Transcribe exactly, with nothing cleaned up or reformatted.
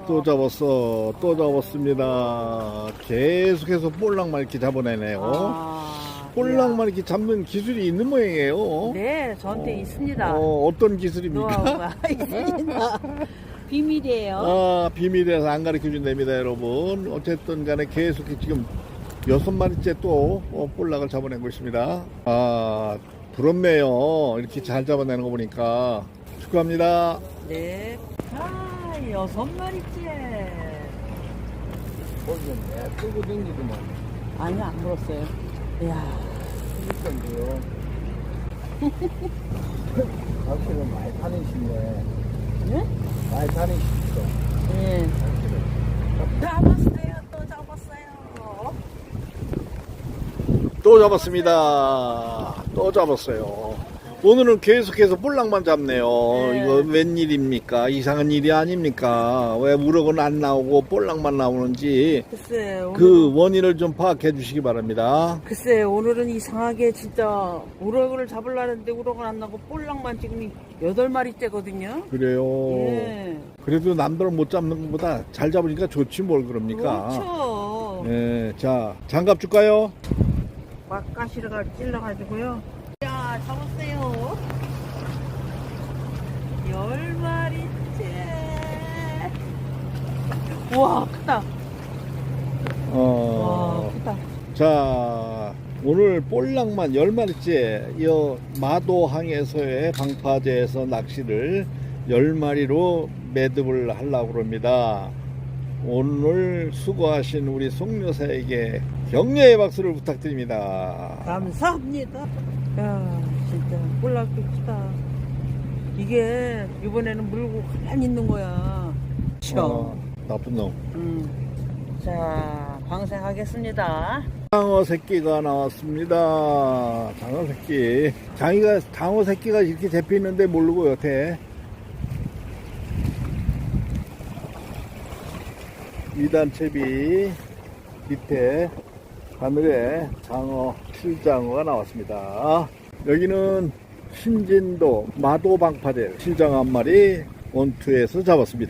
또 잡았어. 또 잡았습니다. 계속해서 볼락만 이렇게 잡아내네요. 아, 볼락만 이렇게 잡는 기술이 있는 모양이에요. 네, 저한테 어, 있습니다. 어, 어떤 기술입니까? 노하우가 있습니다. 비밀이에요. 아, 비밀이라서 안 가르쳐 준답니다, 여러분. 어쨌든 간에 계속 지금 여섯 마리째 또 어, 볼락을 잡아내고 있습니다. 아, 부럽네요. 이렇게 잘 잡아내는 거 보니까. 축하합니다. 네. 아, 여섯 마리째. 보시면 끌고 댕기더만. 아니, 안 물었어요. 이야. 그러니까요. 확실히 많이 다니시네. 네? 많이 다니시죠. 네. 잡았어요. 또 잡았어요. 또 잡았습니다. 또 잡았어요. 오늘은 계속해서 볼락만 잡네요. 네. 이거 웬일입니까? 이상한 일이 아닙니까? 왜 우럭은 안 나오고 볼락만 나오는지 글쎄, 오늘, 그 원인을 좀 파악해 주시기 바랍니다. 글쎄, 오늘은 이상하게 진짜 우럭을 잡으려는데 우럭은 안 나고 볼락만 지금 여덟 마리째거든요. 그래요. 예. 그래도 남들은 못 잡는 것보다 잘 잡으니까 좋지 뭘 그럽니까? 그렇죠. 네, 자, 장갑 줄까요? 막가시가 찔러가지고요. 야, 잡았어요. 열 마리째. 우와, 크다. 어, 와, 크다. 자, 오늘 볼락만 열 마리째 이 마도항에서의 방파제에서 낚시를 열 마리로 매듭을 하려고 합니다. 오늘 수고하신 우리 송 여사에게 격려의 박수를 부탁드립니다. 감사합니다. 야, 진짜 볼락도 크다. 이게 이번에는 물고 가만히 있는 거야. 어, 나쁜 놈. 음. 자, 방생하겠습니다. 장어 새끼가 나왔습니다. 장어 새끼. 장이가, 장어 새끼가 이렇게 잡혀있는데 모르고 여태. 이단 채비 밑에 바늘에 장어, 실장어가 나왔습니다. 여기는 신진도 마도방파제 실장어 한 마리 원투에서 잡았습니다.